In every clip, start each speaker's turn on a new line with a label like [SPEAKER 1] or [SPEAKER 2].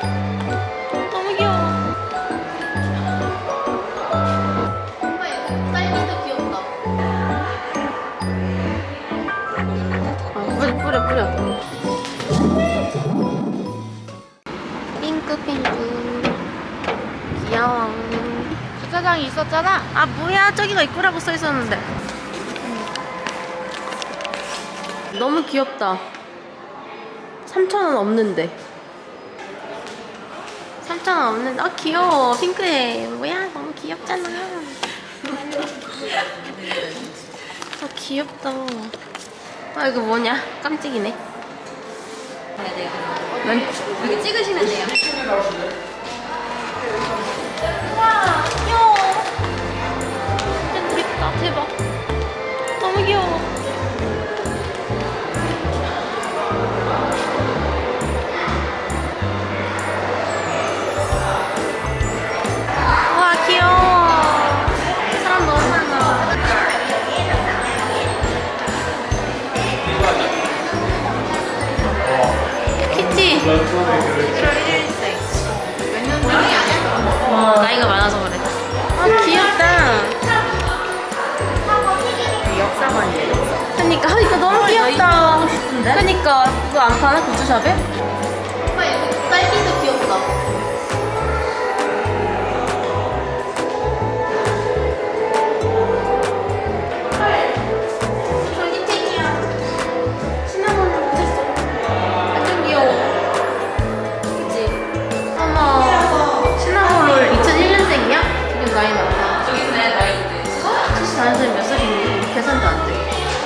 [SPEAKER 1] 너무 귀여워. 엄마 이거 딸기도 귀엽다. 뿌려. 핑크. 귀여워. 주차장이 있었잖아. 아 뭐야, 저기가 입구라고 써 있었는데. 너무 귀엽다. 3,000원 없는데. 3,000원 없는데. 아 귀여워. 핑크해. 뭐야, 너무 귀엽잖아. 아 귀엽다. 아 이거 뭐냐, 깜찍이네.
[SPEAKER 2] 여기 찍으시면 돼요.
[SPEAKER 1] 와 귀여워. 진짜 그립다. 대박. 너무 귀여워. 와 귀여워. 사람 너무 많아. 키티 1월 1일생. 몇 년생이야? 와 나이가 많아서 그래. 아 귀엽다.
[SPEAKER 2] 역사관이에요.
[SPEAKER 1] 그니까 이거 너무 귀엽다. 그니까 이거 안 파나 굿즈샵에? 오빠 이거 딸기도 귀엽다. 전기책이야. 시나몬을 못했어. 완전 귀여워. 그치? 어머. 시나몬롤 2001년생이야? 지금 나이 많다.
[SPEAKER 2] 저기 있네, 나이인데.
[SPEAKER 1] 74년생 몇 살이니? 계산도 안 돼.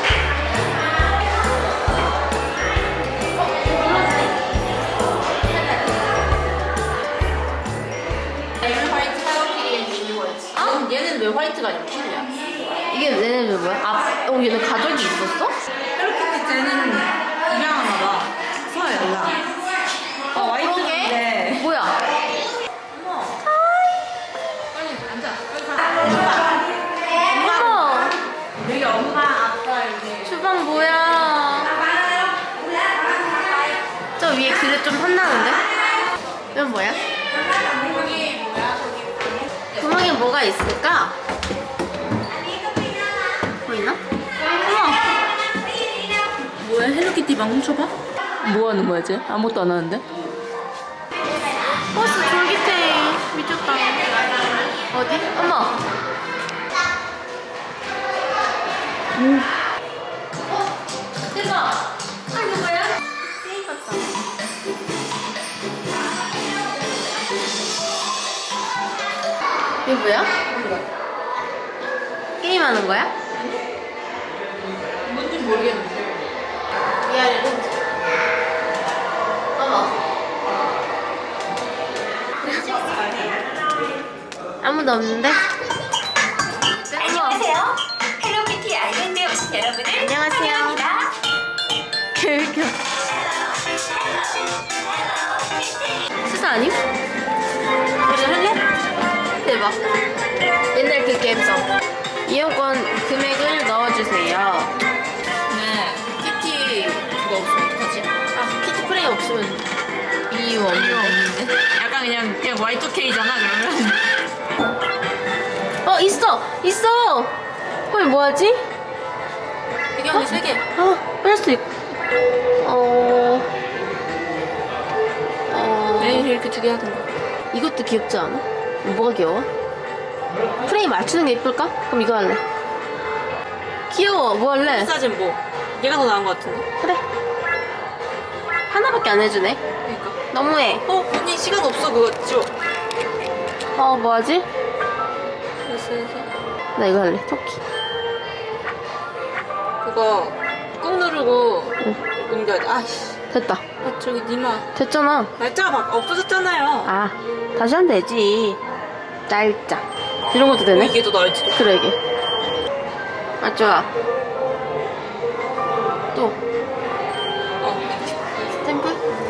[SPEAKER 2] 얘는 왜 화이트가 아니고 핑크야?
[SPEAKER 1] 이게 얘네들 뭐야? 아, 얘네 가족이 있었어?
[SPEAKER 2] 헬로키티 쟤는 입양하나 봐. 서열라. 화이트인데.
[SPEAKER 1] 뭐야?
[SPEAKER 2] 빨리 앉아.
[SPEAKER 1] 어머!
[SPEAKER 2] 여기 엄마, 아빠 이제.
[SPEAKER 1] 주방 뭐야? 저 위에 그릇 좀 혼나는데? 이건 뭐야? 구멍에 뭐가 있을까? 보이나? 어머!
[SPEAKER 2] 뭐야, 헬로키티 방 훔쳐봐? 뭐 하는 거야, 쟤? 아무것도 안 하는데?
[SPEAKER 1] 버스 졸깃해. 미쳤다. 어디? 어머! 대박! 아, 이거 뭐야? 게임 같다. 이게 뭐야? 게임하는 거야?
[SPEAKER 2] 뭔지 모르겠는데.
[SPEAKER 1] 위아래로. 어머. 아무도 없는데?
[SPEAKER 3] 안녕하세요. 헬로키티 아일랜드에 오신 여러분을
[SPEAKER 1] 안녕하세요.
[SPEAKER 3] 환영합니다.
[SPEAKER 1] 개웃겨. 수사 아님? 우리 할래? 대박. 옛날 그 감성. 이용권 금액을 넣어주세요.
[SPEAKER 2] 네. 키티 그거 없으면 어떡하지?
[SPEAKER 1] 아, 키티 프레임 없으면 이유
[SPEAKER 2] 이거
[SPEAKER 1] 없는데.
[SPEAKER 2] 없는데? 약간 그냥 Y2K잖아, 그러면.
[SPEAKER 1] 있어! 헐, 뭐하지?
[SPEAKER 2] 이게 언니 3개.
[SPEAKER 1] 뺄 수 있고.
[SPEAKER 2] 왜 이렇게 2개 하던가?
[SPEAKER 1] 이것도 귀엽지 않아? 뭐가 귀여워? 프레임 맞추는 게 예쁠까? 그럼 이거 할래. 귀여워. 뭐 할래?
[SPEAKER 2] 사진 뭐? 얘가 더 나은 것 같은데?
[SPEAKER 1] 그래. 하나밖에 안 해주네.
[SPEAKER 2] 그러니까.
[SPEAKER 1] 너무해.
[SPEAKER 2] 언니 시간 없어, 그거 줘.
[SPEAKER 1] 뭐하지?
[SPEAKER 2] 됐어.
[SPEAKER 1] 나 이거 할래. 토끼.
[SPEAKER 2] 그거 꾹 누르고
[SPEAKER 1] 응.
[SPEAKER 2] 옮겨야 돼. 아이씨.
[SPEAKER 1] 됐다.
[SPEAKER 2] 아, 저기 니마.
[SPEAKER 1] 됐잖아.
[SPEAKER 2] 날짜가 막 없어졌잖아요.
[SPEAKER 1] 아, 다시 하면 되지. 날짜. 이런 것도 되네?
[SPEAKER 2] 이게 더 나을지도.
[SPEAKER 1] 그래, 이게. 아, 좋아. 또, 스탬프?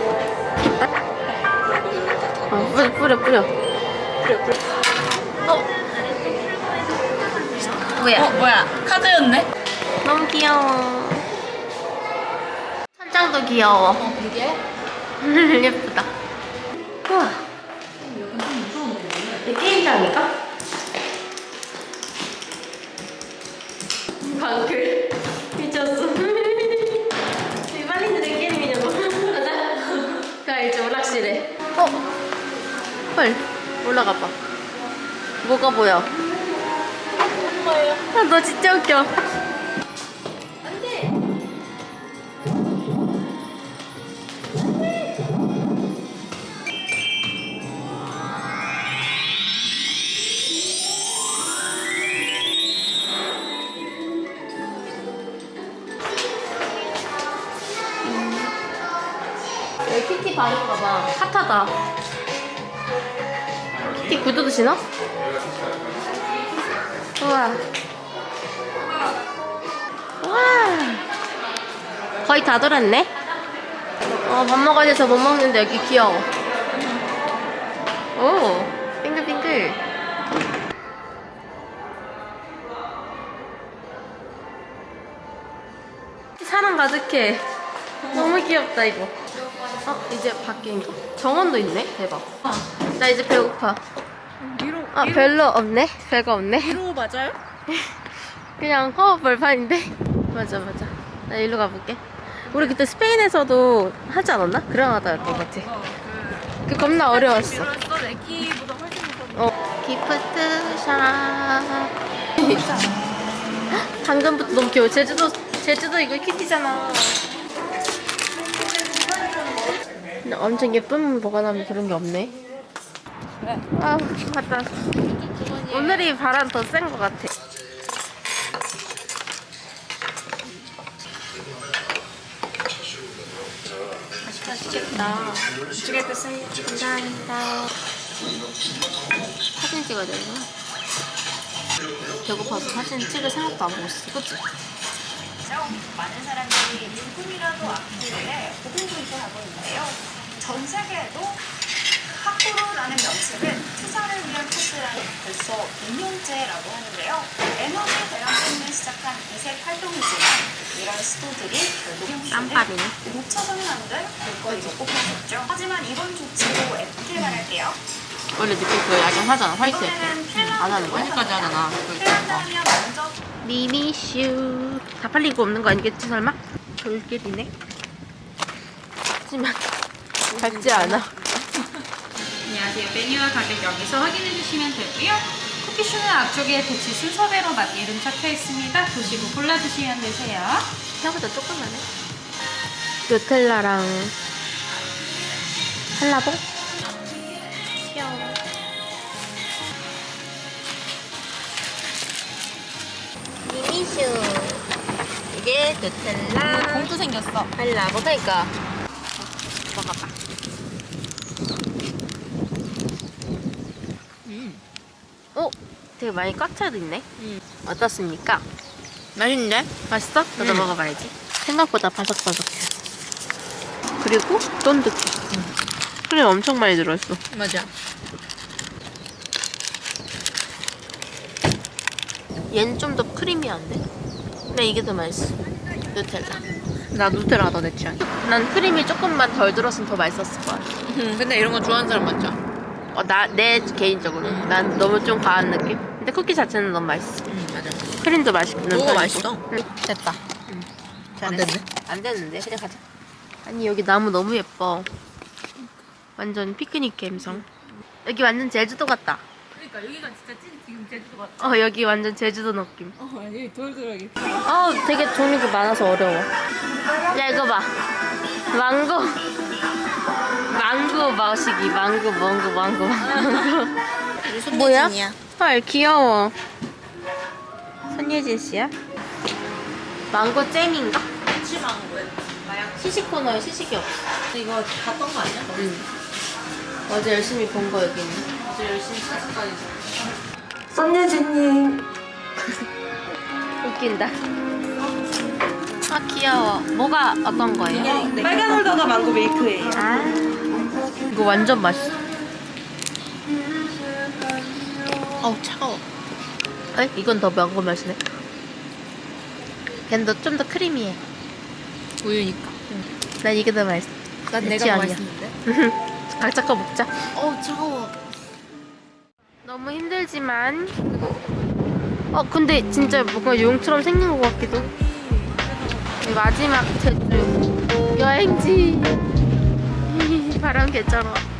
[SPEAKER 1] 뿌려.
[SPEAKER 2] 뿌려.
[SPEAKER 1] 뭐야?
[SPEAKER 2] 뭐야? 카드였네?
[SPEAKER 1] 너무 귀여워. 천장도 귀여워.
[SPEAKER 2] 이게?
[SPEAKER 1] 예쁘다. 우와. 낚시래. 헐, 올라가 봐. 뭐가 보여? 아, 너 진짜 웃겨. 여기 키티 바른가 봐. 핫하다. 키티 구두도 신어? 우와. 우와. 거의 다 돌았네? 밥 먹어야 돼서 못 먹는데 여기 귀여워. 오, 빙글빙글. 사람 가득해. 너무 귀엽다, 이거. 이제 바뀐 거. 정원도 있네? 대박. 나 이제 배고파. 별로 없네? 별거 없네?
[SPEAKER 2] 위로 맞아요?
[SPEAKER 1] 그냥 허허벌판인데? 맞아. 나 일로 가볼게. 우리 그때 스페인에서도 하지 않았나? 그랑하다였던 것 같아. 그 겁나 어려웠어.
[SPEAKER 2] 내 키보다 훨씬 더.
[SPEAKER 1] 기프트샵. 당근부터 너무 귀여워. 제주도 이거 키티잖아. 근데 엄청 예쁜 보관하면 그런 게 없네. 아, 맞다. 오늘이 바람 더 센 것 같아. 맛있겠다. 감사합니다. 사진 찍어야 되나? 배고파서 사진 찍을 생각도 안 하고 있어. 그치?
[SPEAKER 3] 많은 사람들이 조금이라도 앞길에 고군분투 하고 있는데요. 전 세계에도 하쿠로라는 명칭은 투자를 위한 코스라는 벌써 2년째라고 하는데요. 에너지 대란 때문에 시작한 이색 활동이지만 이런 시도들이 결국
[SPEAKER 1] 쌈밥이네.
[SPEAKER 3] 놓쳐서는 안 될 볼거리로 꼽혔었죠. 하지만 이번 조치로 F길 말할게요.
[SPEAKER 1] 원래 늦게 그 야경하잖아. 화이트
[SPEAKER 3] 이번에는
[SPEAKER 1] 안 하는 거야?
[SPEAKER 2] 까지 하잖아.
[SPEAKER 3] 핀란드하면 먼저
[SPEAKER 1] 미미슈. 다 팔린 거 없는 거 아니겠지 설마? 돌길이네. 하지만 밝지 않아.
[SPEAKER 4] 안녕하세요. 메뉴와 가격 여기서 확인해 주시면 되고요. 쿠키슈는 앞쪽에 배치 순서대로 이름 적혀 있습니다. 보시고 골라주시면 되세요.
[SPEAKER 1] 생각보다 조금만해. 누텔라랑 한라봉? 귀여워. 미미슈. 이게 누텔라.
[SPEAKER 2] 봉투 생겼어.
[SPEAKER 1] 한라봉. 그러니까. 먹어봐. 되게 많이 꽉 차도 있네. 어떻습니까?
[SPEAKER 2] 맛있는데?
[SPEAKER 1] 맛있어? 너도 먹어봐야지. 생각보다 바삭바삭해. 그리고 쫀득해. 크림 엄청 많이 들어있어.
[SPEAKER 2] 맞아.
[SPEAKER 1] 얘는 좀 더 크리미한데? 근데 이게 더 맛있어. 누텔라.
[SPEAKER 2] 나 누텔라가 내 취향이야.
[SPEAKER 1] 난 크림이 조금만 덜 들었으면 더 맛있었을 거야.
[SPEAKER 2] 근데 이런 거 좋아하는 사람 많죠?
[SPEAKER 1] 내 개인적으로. 난 너무 좀 과한 느낌? 근데 쿠키 자체는 너무 맛있어.
[SPEAKER 2] 맞아.
[SPEAKER 1] 크림도 맛있는
[SPEAKER 2] 뭐가
[SPEAKER 1] 편이고.
[SPEAKER 2] 맛있어?
[SPEAKER 1] 됐다.
[SPEAKER 2] 안
[SPEAKER 1] 잘했어.
[SPEAKER 2] 됐네?
[SPEAKER 1] 안 됐는데? 그냥 가자. 아니 여기 나무 너무 예뻐. 완전 피크닉 감성. 여기 완전 제주도 같다.
[SPEAKER 2] 그러니까 여기가 진짜 지금 제주도 같아.
[SPEAKER 1] 여기 완전 제주도 느낌.
[SPEAKER 2] 여기 돌돌하게.
[SPEAKER 1] 되게 종류가 많아서 어려워. 야 이거 봐. 망고 마시기. 망고. 뭐야? 헐 귀여워. 손예진 씨야? 망고 잼인가?
[SPEAKER 2] 치망고에 마약.
[SPEAKER 1] 시식 코너에 시식이 없어.
[SPEAKER 2] 이거 봤던 거 아니야?
[SPEAKER 1] 응. 어제 열심히 본 거 여기 있네.
[SPEAKER 2] 어제 열심히 사진까지.
[SPEAKER 5] 손예진님
[SPEAKER 1] 웃긴다. 귀여워. 뭐가 어떤 거예요?
[SPEAKER 5] 빨간 홀더가 망고 밀크예요.
[SPEAKER 1] 이거 완전 맛있어.
[SPEAKER 2] 차가워.
[SPEAKER 1] 이건 더 망고 맛이네. 걔는 좀 더 크리미해.
[SPEAKER 2] 우유니까.
[SPEAKER 1] 난 이게 더 맛있어.
[SPEAKER 2] 난
[SPEAKER 1] 내
[SPEAKER 2] 내가
[SPEAKER 1] 취향이야.
[SPEAKER 2] 맛있는데.
[SPEAKER 1] 각자 거 먹자.
[SPEAKER 2] 차가워.
[SPEAKER 1] 너무 힘들지만. 근데 진짜 뭔가 용처럼 생긴 것 같기도. 이 마지막 제주 여행지. 바람 개쩔어.